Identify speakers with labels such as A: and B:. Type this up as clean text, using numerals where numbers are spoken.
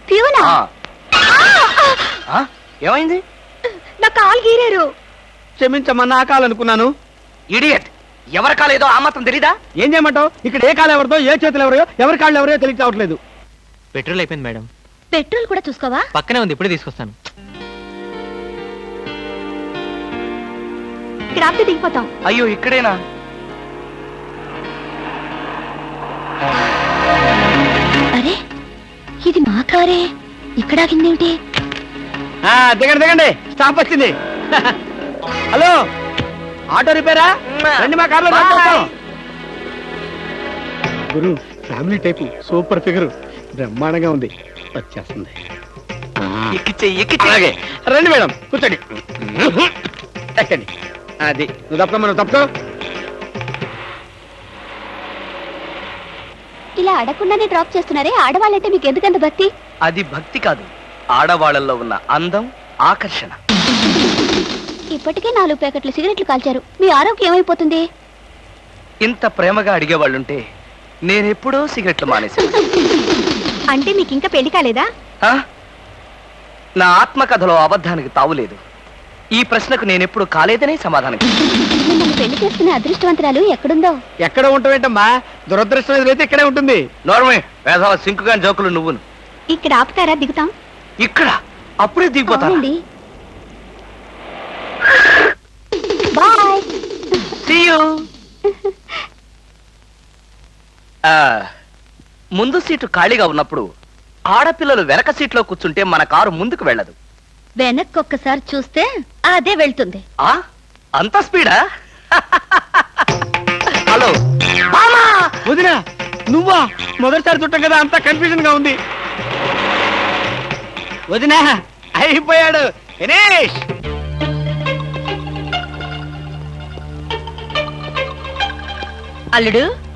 A: ప్యూనా?
B: ఏమైంది?
A: నా కాలు గీరారు.
C: క్షమించమ్మా, నా కాలనుకున్నాను.
B: ఇడియట్, ఎవరి కాలేదో ఆ మాత్రం తెలీదా?
C: ఏం చేయమంటావు? ఇక్కడ ఏ కాలు ఎవరిదో, ఏ చేతులు ఎవరో, ఎవరి కాళ్ళు ఎవరో తెలియక రావట్లేదు.
D: పెట్రోల్ అయిపోయింది మేడం.
A: పెట్రోల్ కూడా చూసుకోవా?
D: పక్కనే ఉంది, ఇప్పుడే తీసుకొస్తాను.
A: ఇక్కడ ఆపితే దిగిపోతాం.
B: అయ్యో, ఇక్కడేనా?
A: అరే, ఇది మా కారే. ఇక్కడ ఆగిందేమిటి?
C: దిగండి దిగండి, స్టాప్ వచ్చింది. హలో, ఆటో రిపేరా? రండి మా కార్లో. గురు, ఫ్యామిలీ టైపు, సూపర్ ఫిగర్, బ్రహ్మాండంగా ఉంది. వచ్చేస్తుంది. అలాగే రండి మేడం, కూర్చోండి. ఎక్కండి. అది నువ్వు తప్ప, మనం తప్పుకో.
A: ఇలా అడగకుండానే డ్రాప్ చేస్తున్నారే, ఆడవాళ్ళంటే మీకు ఎందుకంత భక్తి?
B: అది భక్తి కాదు, ఆడవాళ్ళల్లో ఉన్న అందం, ఆకర్షణ.
A: ఇప్పటికే 4 ప్యాకెట్లు సిగరెట్లు కాల్చారు. మీ ఆరోగ్యం ఏమైపోతుంది?
B: ఇంత ప్రేమగా అడిగేవాళ్ళుంటే నేనెప్పుడో సిగరెట్లు మానేశాను.
A: అంటే మీకు ఇంకా పెళ్లి కాలేదా?
B: నా ఆత్మకథలో అబద్ధానికి తావులేదు. ఈ ప్రశ్నకు నేనెప్పుడు కాలేదనే సమాధానం.
A: మిమ్మల్ని పెళ్లి చేసుకునే అదృష్టవంతరాలు ఎక్కడుందో.
C: ఎక్కడ ఉంటావేంటమ్మా? దురదృష్టం ఎదురైతే ఇక్కడే ఉంటుంది.
B: నోర్మే, వేసవ సింకుగాని జోకులు నువ్వును.
A: ఇక్కడ ఆపుతారా? దిగుతాం.
B: ఇక్కడ అప్పుడే దిగిపోతాను.
A: బాయ్.
B: See you. ముందు సీటు ఖాళీగా ఉన్నప్పుడు ఆడపిల్లలు వెనక సీట్లో కూర్చుంటే మన కారు ముందుకు వెళ్ళదు.
A: వెనక్కి ఒక్కసారి చూస్తే అదే వెళ్తుంది.
B: అంత స్పీడా? హలో
C: వదినా, నువ్వా? మొదటిసారి చుట్టం కదా, అంతా కన్ఫ్యూజన్ గా ఉంది. వదినా, అయిపోయాడు దినేష్.
A: అల్లుడు,